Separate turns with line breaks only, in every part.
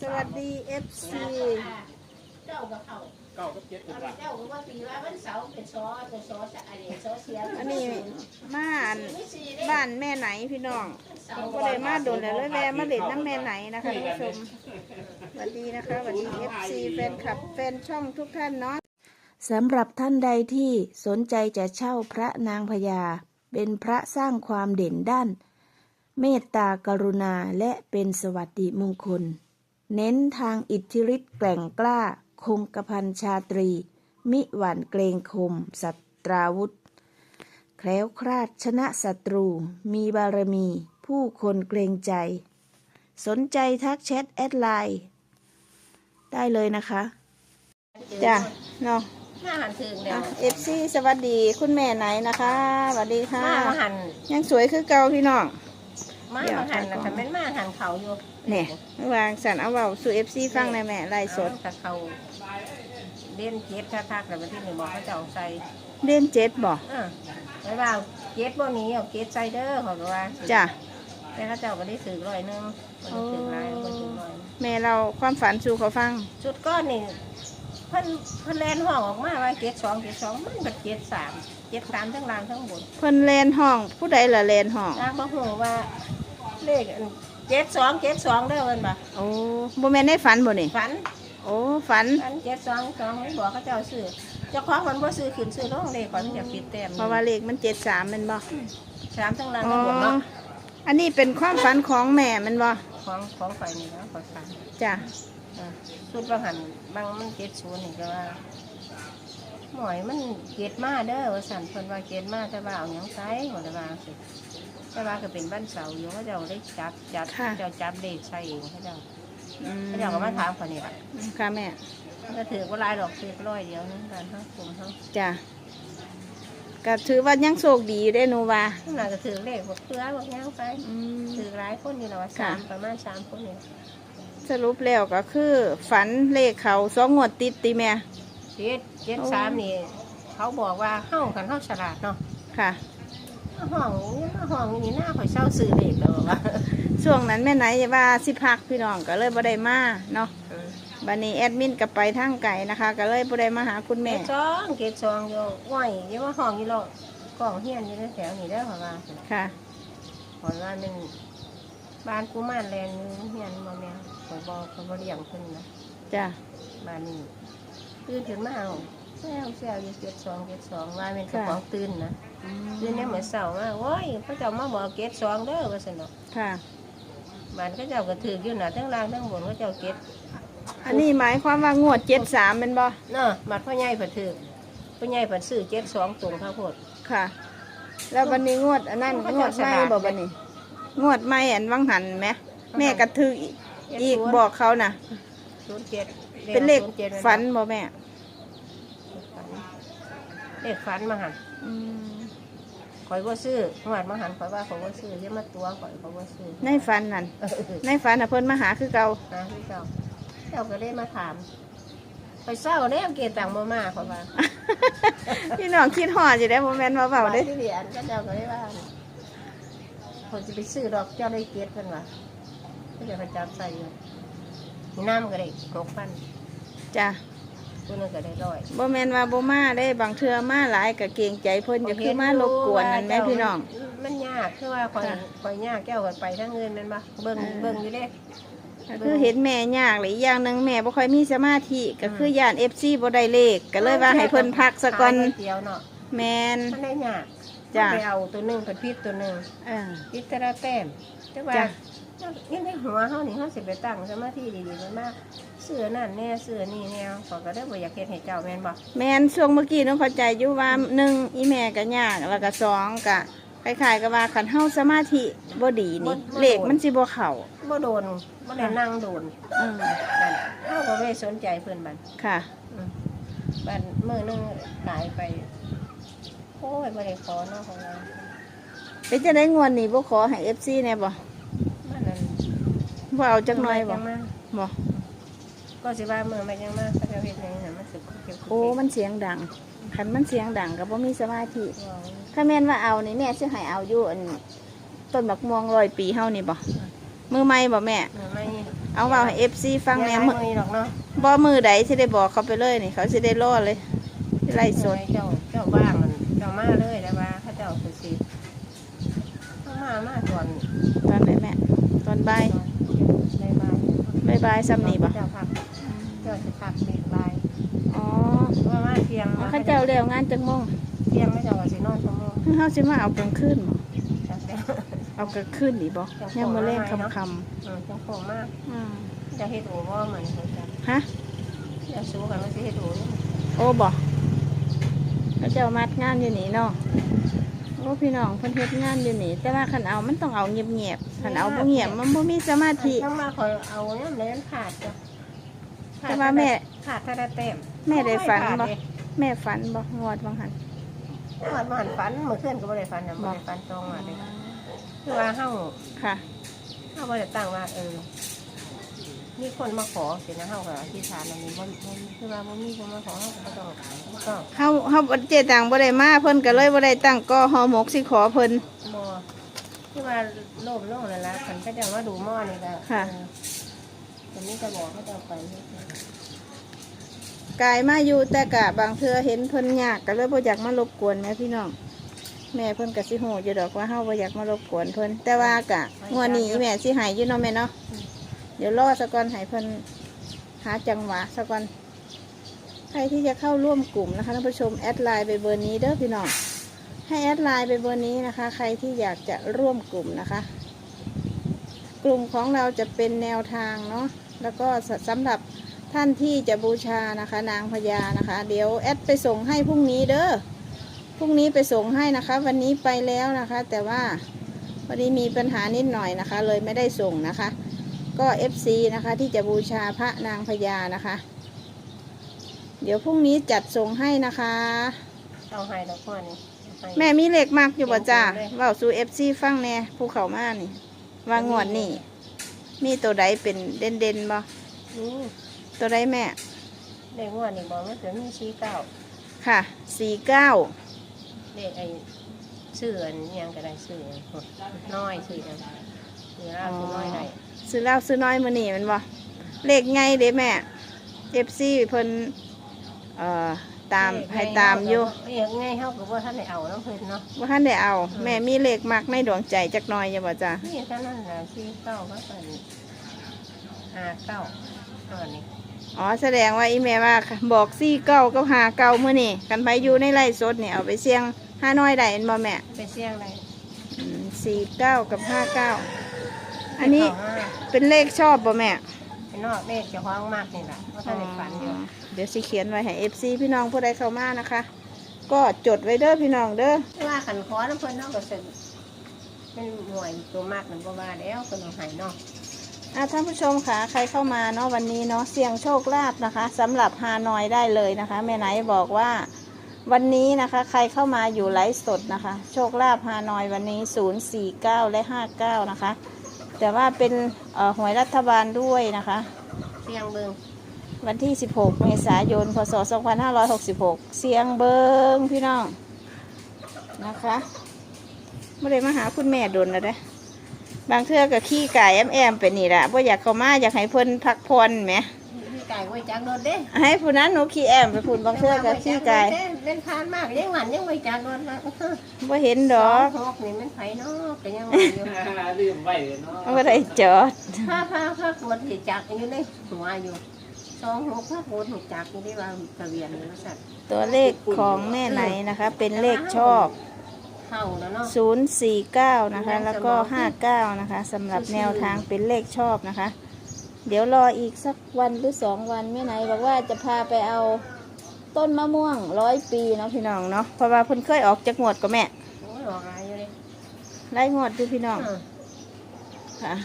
สวัสดี FC
เจ้ากับเขา
เก้ากับเจ็ดเป็นหลัก
เจ้าก็ว่าตีว่าวันเสาร์เป็นซออะไรซอเสีย
อันนี้มาบ้านแม่ไหนพี่น้องผมก็เลยมาโดนแล้วแวะมาเล่นน้ำแม่ไหนนะคะท่านผู้ชมสวัสดีนะคะสวัสดี FC แฟนคลับแฟนช่องทุกท่านเนาะสำหรับท่านใดที่สนใจจะเช่าพระนางพญาเป็นพระสร้างความเด่นด้านเมตตากรุณาและเป็นสวัสดิมงคลเน้นทางอิทธิฤทธิ์แกร่งกล้าคงกระพันชาตรีมิหวั่นเกรงคมสัตราวุธแคล้วคลาดชนะศัตรูมีบารมีผู้คนเกรงใจสนใจทักแชทแอดไลน์ได้เลยนะคะจ้ะเนาะ
มาหันถึงเดียว
FC สวัสดีคุณแม่ไหนนะคะสวัสดีค่ะ
มาหัน
ยังสวยคือเก่าพี่น้อง
มาหันนะคะแม่นมาหันเขาอยู่
เนี่ยวางสันเอาเบาสู่ FC ฟังในแม่ไล่สด
กับเขาเล่นเจ็ดทักๆแต่วันที่หนึ่งบอกเขาจะเอาใส่
เล่นเจ็ดบ่
ไม่ว่าเจ็ดบ่นี้เอาเจ็ดไซเดอร์เขาก็ว่า
จ้ะ
แต่เขาเจ้าก็ได้ถือ100คนถือหลายคนถือ100
แม่เราความฝันสู่เขาฟัง
ชุดก้อนนี่เพิ่นแลนห้องออกมาว่าเจ็ดสองมันแบบเจ็ดสามทั้งล่างทั้งบน
เพิ่นแลนห้องผู้ใดล่ะแลนห้อง
นางบ่ฮู้ว่าเลขเจ็ดสองเด้อเพิ่นบ่
โอ้บ่แม่นได้ฝันบ่นี่
ฝัน
โอ้ฝัน
722มันบอกเขาเจ้าซื้อเจ้าของมันบ่ซื้อขึ้นซื้อลงเลขก่อนมันจะปิดแต้ม
เพราะว่าเลขมัน73แม่นบ่
สามทั้งล่าง
อ๋อ
ทั้งบนเนาะ
อันนี้เป็นความฝันของแม่แมันบ่
ของข่อยนี่นะข่อยฝัน
จ้ะ
ชุดบางหันบางมัน70นี่ก็ว่าหมอยมันเก็ดมาเด้อว่าสั่นเพิ่นว่าเก็ดมาแต่ว่าเอาหยังใส่บ่ได้ว่าสิแต่ว่าก็เป็นบ้านเสาอยู่เขาเจ้าได้จับเจ้าจับเลขใส่เองเขาเจ้า
อืม
เขาเจ้าก็มาถามข่อยนี่ล่ะ
ค่ะแม่
มันก็ถือว่าลายดอกถือ100เดียวนึงกันทั้งกลุ่มทั้ง
จ้ะก็ถือว่ายังโชคดีอยู่ได้หนูว่า
ข้างหลังก็ถือเลขบอกเพื่อบอกย่างไป
อืม
ถือหลายคนอยู่แล้วว่า
ค่ะ
ประมาณ3คนเนี่ย
สรุปแล้วก็คือฝันเลขเขา2 งวดติดติแม่
73นี่เขาบอกว่าเฮ้ากันเฮ้าฉลาดเนาะ
ค่ะ
ห้องนี่หน้าข่อยเศร้าซื้อเลขแล้วว่า
ช่วงนั้นแม่ไหนว่าสิพักพี่น้องก็เลยบ่ได้มาเนาะบัดนี้แอดมินก็ไปทางไกลนะคะ ก็เลยบ่ได้มาหาคุณ
เก
แม่
ศซองอยู่ง่อยยังว่าห้องอยู่หรอกกล่องเฮียนอยู่ในแถวนี่ได้อเพราะว่า
ค่ะ
เพราะว่ามันบ้านกูมานแลนอยู่เฮียนมาแม่ข่อยบ่เลี้ยงเพิ่นนะ
จ้ะ
บ้านนี้ตื่นขึ้นมาเอาแซวอยู่72ว่าเป็นเจ้าของตื่นนะ ตื่นเนี่ยเหมือนเสาร์มาโอ้ยพระเจ้ามาบอกเกต2เด้อว่าซั่นดอก
ค่ะ
บ้านเขาเจ้าก็ถืออยู่น่ะทั้งล่างทั้งบนเขาเจ้าเกต
อันนี้หมายความว่างวด73เป็นบ่
เนาะบัดพ่อใหญ่เพิ่นถือพ่อใหญ่เพิ่นซื้อ72ตรงข้าวโพด
ค่ะ แล้ววันนี้งวดอันนั้นงวดใหม่บ่บัดนี้ งวดใหม่อันวังหันไหมแม่ก็ถืออีกบอกเขาน่ะ
07
เป็นเลขฝันบ่แม่
เลขฝันมาหั่น
อืม
ข่อยบ่ซื้อหวดมาหั่นข่อยว่าข่อยบ่ซื้ออย่ามาตัวข่อยบ่ซื้อ
ในฝันนั่นในฝันน่ะเพิ่นมาหาคือเก่า
หาคือเจ้าก็เลยมาถามข่อยเศร้าแล้วเกตต่างบ่มาข่อยว่า
พี่น้องคิดฮอดสิได้บ่แม่นว่าเว้าเด้
ที่เรียนก็เจ้าก็เลยว่าคนจะไปซื้อดอกเจ้าได้เกตกันวะก็จะไปจับใส่อยู่มีน้ำก็ได้6,000
จ้ะ
ตัวนึงก็ได้100
บ่แม่นว่าบ่มาได้บางเทื่อมาหลายก็เกรงใจเพิ่นจะคือมารบกวนนั่นแหม่พี่น้อง
มันยากคือว่าคอยยากแก้วกันไปทั้งเงินนั่นปะเบิ่งอยู่เด้
ก็คือเห็นแม่ยากเลยอีกอย่างหนึงแม่บ่ค่อยมีสมาธิก็คือย่าน FC บ่ได้เลขก็เลยว่าให้เพิ่นพักซะก่อน
ขายก๋วยเตี๋ยวเนาะ
แม่น
มันได้ยาก
จ้ะ
ไปเอาตัวหนึงเป็นพิษตัวหนึง
เออ
พิษแต่ละแต้มแต่ว่า
จ้ะ
ยังในหัวเฮานี่เฮาสิไปตั้งสมาธิดีๆมันมากเสื้อนั่นแน่เสื้อนี่แนวเขาก็ได้บ่อยากเฮ็ดให้เจ้าแม่นบ่
แม่นช่วงเมื่อกี้น้องเข้าใจอยู่ว่า1อีแม่ก็ยากแล้วก็2ก็คล้ายๆกับว่าคันเฮาสมาธิบ่ดีนี่เลขมันสิบ่เข้า
บ่โดนบ่ได้นั่งโดน
อืม
นั่นเฮาก็ไม่ได้สนใจเพิ่นบัด
ค่ะ
บัดมื้อนึงหายไปโอ้ยบ่ได้ขอเนาะของเรา
เป็นจะได้งวดนี้บ่ขอให้ FC แน่บ่
มันนั่น
บ่เอาจักหน่อยบ่
จังมา
บ่
ก็สิว่ามื้อมาจังมาเขาจะเฮ็ดหยังให้มันสึกเก็บ
โอ้มันเสียงดังคันมันเสียงดังก็บ่มีสมาธิถ้าแม่นว่าเอานี่แม่สิให้เอาอยู่อันต้นบักม่วง100 ปีเฮานี่บ่มือใหม่บ่แม่
ไม่
เอาเว้าให้ FC ฟังแหน่
มื
มื้อ
อหรอกเนาะ
บ่มือใดสิได้บอกเขาไปเลยนี่เขาสิได้รอเลยสิไล่สด
เจ้าบ้างมันเจ้ามาเลยแต่ว่าเขาเจ้าคือสิมาก่อน
ตอนไหนแม่ตอนบ่าย
ได้บ่าย
บ่ายซ้ำนี่บ่
เจ้าพักเจ้าสิพักดีบ่าย
อ๋อ
ว่ามาเที่ยง
เขาเจ้าแล้วงานจังโมง
เที่ยงไม่เจ้าก็สินอนชั่วโมง
เฮาสิมาเอากลางคืนบ่
จังแต่
เอากลางคืนนี่บ่ยังมื้อแลงค่ำ
จังโคมมาก
ๆอืม
จะเฮ็ดโอว่าเหมือนเขาจะ
ฮะ
จะสู้กันว่าสิเฮ็ดโอนี่
โอ้บ่เขาเจ้ามัดงานอยู่นี่เนาะโอ้พี่น้องเพิ่นเฮ็ดงานอยู่นี่แต่ว่าคันเอามันต้องเอาเงียบๆคันเอาบ่เงียบมันบ่มีสมาธิ
ต้องมาคอยเอาเนี่ยเลยมันขาดจ้ะ
แต่ว่าแม่
ขาดถ้าได้เต็ม
แม่ได้ฝันบ่แม่ฝันบ่งวดบางหัน
วันมาหันฝันเมื่อคืนก็บ่ได้ฝันนะบ่ได้ฝันตรงมาเลยคือว่าเฮา
ค่ะ
บ่ได้ตั้งว่ามีคนมาขอสินะเฮาก็อธิษฐานอันนี้บ่คือว่าบ่มีคนมาขอเฮาก็บ่ต้องก็
เฮาเจตังบ่ได้มาเพิ่นก็เลยบ่ได้ตั้งก่อฮอหมกสิขอเพิ่น
บ่คือว่าโลภโลภนั่นล่ะคันเขาจะมาดูหม้อนี่ก็อันนี้ก็บอกเขาจะไป
กายมาอยู่แต่กะบางเทื่อเห็นเพิ่นยากก็เลยบ่อยากมารบกวนแม่พี่น้องแม่เพิ่นก็สิฮู้อยู่ดอกว่าเฮาบ่อยากมารบกวนเพิ่นแต่ว่ากะงวดนี้แม่สิให้อยู่เนาะแม่เนาะเดี๋ยวรอซะก่อนให้เพิ่นหาจังหวะซะก่อนใครที่จะเข้าร่วมกลุ่มนะคะท่านผู้ชมแอดไลน์ไปเบอร์นี้เด้อพี่น้องให้แอดไลน์ไปเบอร์นี้นะคะ ใครที่อยากจะร่วมกลุ่มนะคะ กลุ่มของเราจะเป็นแนวทางเนาะแล้วก็สำหรับท่านที่จะบูชานะคะนางพญานะคะ เดี๋ยวแอดไปส่งให้พรุ่งนี้เด้อพรุ่งนี้ไปส่งให้นะคะ วันนี้ไปแล้วนะคะ แต่ว่าวันนี้มีปัญหานิดหน่อยนะคะ เลยไม่ได้ส่งนะคะ ก็ FC นะคะที่จะบูชาพระนางพญานะคะ เดี๋ยวพรุ่งนี้จัดส่งให้นะคะ
เอาให้ดอกพ่อนี่
แม่มีเลขมากอยู่บ่จ้าเว้าสู่ FC ฟังแน่ภูเขามานี่ว่างวดนี่มีตัวใดเป็นเด่นๆบ่
นี่
ตัวใดแม่
เด็กงวดนี่บอกว่าจะมี49
ค่ะ49
เด็กไอ้ชื่ออันยังก็ได้ชื่อน้อยชื่อยังชื่อเราชื่อน้อยได้
ซื้อเหล้าซื้อน้อยมื้อนี้แมันบ่เลขไงเด้แม่ FC เพิ่นตามให้ตามอยู่
ไงเฮาก็บ่ทันได้เอาน้ำเพิ่นเนาะ
บ่ทันได้เอา แม่มีเลขมักในดวงใจจักหน่อยอย่าบ่จ้า
นี่เท่านั้นน่ะ49ก็เป็น59อันนี้
อ๋อแสดงว่าอีแม่ว่าบอก49กับ59มื้อนี้กันไปอยู่ในไร่สดนี่เอาไปเสี่ยงห้าน้อยได้แม่นบ่แม่
ไปเสี่ยงได้
49กับ59อันนี้เป็นเลขชอบบ่แม่
เป็นนอกเลขเจ้าของมากนี่ล่ะบ่ทันได้ฝันอยู่
เดี๋ยวสิเขียนไว้ให้ FC พี่น้องผู้ใดเข้ามานะคะ ก็จดไว้เด้อพี่น้องเด้อ
ว่าขันขอน้ำเพิ่นเนาะก็สิเป็นหน่วยตัวมากนั่นบ่ว่าแล้วเพิ่นเอาให้เนาะ
ท่านผู้ชมค่ะใครเข้ามาเนาะวันนี้เนาะเสี่ยงโชคลาภนะคะสำหรับฮานอยได้เลยนะคะแม่ไหนบอกว่าวันนี้นะคะใครเข้ามาอยู่ไลฟ์สดนะคะ โชคลาภฮานอยวันนี้049และ59นะคะแต่ว่าเป็นหวยรัฐบาลด้วยนะคะ
เสี่ยงเบิ่ง
วันที่16เมษายนพศ2566เสียงเบิงพี่น้องนะคะไม่ได้มาหาคุณแม่ดนแล้วเด้บางเทื่อก็ขี้ไก่แอมไปนี่แหละเพราะอยากเข้ามาอยากให้เพิ่นพักผ่อนไหม
พี่ไก่ไว้จักรถเด้
ให้ผู้นั้นหนูขี้แอมไปพูดบางเทื่อก็ขี้ไก่
เล่นทานมากยังหวันยังไว้จักรถนะ
บ่เห็นดอก
หกนี่มันไผเนาะก็ยังว่าอยู่
ลืมไว้เนาะ
บ่ได้จอด
ถ้ากดสิจักอยู่ในหัวอยู่26ถ้ากดสิจักอยู่ได้ว่าทะเบียนนี่ว่าซั่น
ตัวเลขของแม่ไหนนะคะ เป็นเลขชอบ
เข้าแล้วเนาะ
049นะคะแล้วก็59นะคะสำหรับแนวทางเป็นเลขชอบนะคะ เดี๋ยวรออีกสักวันหรือ2 วันแม่ไหนบอกว่าจะพาไปเอาต้นมะม่วง100 ปีเนาะพี่น้องเนาะเพราะว่าเพิ่นเคยออกจากงวดกับแม่
โอ้ยออกอะไรอยู่เลย
ไล่งวดดูพี่น้องค่ะ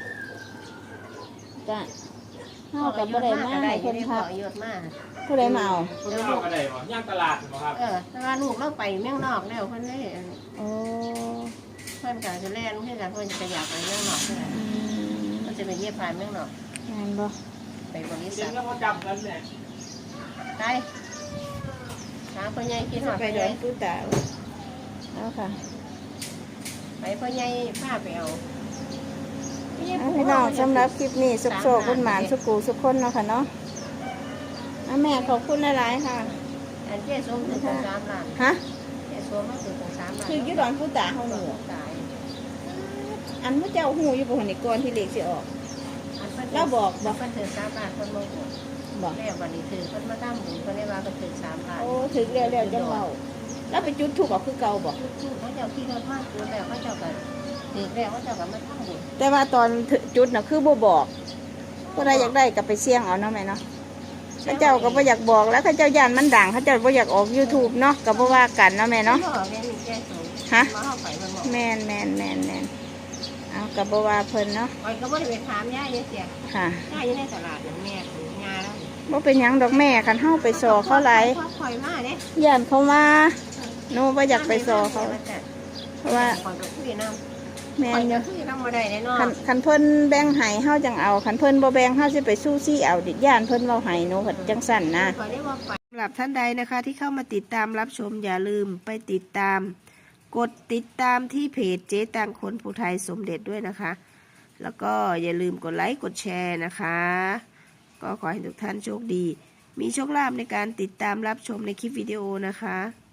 จ้ะเฮากับบ่ได้มาให้เพิ่นพัก
เยอะมาก
ผู้ใดมาเอา
คุณเข้าก็ได้บ่ย่างตลาดบ่ครับ
แต่ว่าลูกเราไปเมืองนอกแล้วเพิ่นเลย
โอ้
เพิ่นก็จะแล่นเพื่อนกันเพิ่นจะอยากไปเมืองนอกเพื่อน
อืม
มันจะไปเยี่ยมผ่านเมืองนอก
งานบ่
ไปบริ
เดี๋
ษั
ยว
ท
เราก็จำกันแหละ
ไปหาพ่อใหญ่กินหอด
ไป
ไป
เดิ
เล
น
ย
ตู้ตาเอาค่ะ
ไปพ่อใหญ่พาไปเอา
พี่น้องสำหรับคลิปนี้สุขโศกคุณหมานสุกูสุขคนเนาะค่ะเนาะแม่ขอบคุณหลายๆค่ะ
อันเจ๊ส้มถึง3 ล้าน
ฮะ
เจ๊ส้มมาถึง3 ล้าน
คือยุดอนผู้ตาเฮาหนู
ตาย
อันพระเจ้าหูอยู่บ่หันนี่ก่อนที่เลขสิออก
เราบอกเพิ่นถึง3 ล้านคนโมโห
บอก
แม่วันนี้ถือเพิ่นมาทำบุญเพิ่นได้ว่าเพิ่นถึง3 ล้าน
โอ้ถึงแล้วจังเว้าแล้วไปจุดถูกเอาคือเก่าบ่
ทุกเขาเจ้าที่เราพลาดตัวแล้วเขาเจ้าก็ถือแล้วเขาเจ้าก็มาทำบุญ
แต่ว่าตอนจุดน่ะคือบ่บอกก็ได้อยากได้ก็ไปเสี่ยงเอาเนาะแม่เนาะพระเจ้าก็บ่อยากบอกแล้วพระเจ้าย่านมันดังพระเจ้าบ่อยากออก YouTube เนาะก็บ่ว่ากันเนาะแม่เนาะ
บอกแม่มีแก้สูง
ฮะ
มาเข้าไปมันบอก
แม่นเอาก็บ่ว่าเพิ่นเนาะ
คอยก็บ่ได้ไปถามย่าเยอะเสีย
ค่ะ
ย่าอยู่ในตลาดอย่างแม่ถึงงาแล้ว
บ่เป็นหยังดอกแม่คันเฮาไปสอเขาหลาย
คอยมาเนี่ย
ย่านเขามาหนูบ่อยากไปสอเขาเพราะว่า
คอยก็คุยน้ำ
แม่
คอย
นอ
ก็
ยู่
คุยน้ำมาได้แน่นอน
คันเพิ่นแบ่งให้เฮาจังเอาคันเพิ่นบ่แบ่งเฮาสิไปสู้ซี่เอาดิย่านเพิ่นเว้าให้หนูเพิ่นจังสั่นนะ
คอยได้ว่าไป
สำหรับท่านใดนะคะที่เข้ามาติดตามรับชมอย่าลืมไปติดตาม กดติดตามที่เพจเจ๊ตังคนผู้ไทยสมเด็จด้วยนะคะ แล้วก็อย่าลืมกดไลค์กดแชร์นะคะ ก็ขอให้ทุกท่านโชคดี มีโชคลาภในการติดตามรับชมในคลิปวิดีโอนะคะ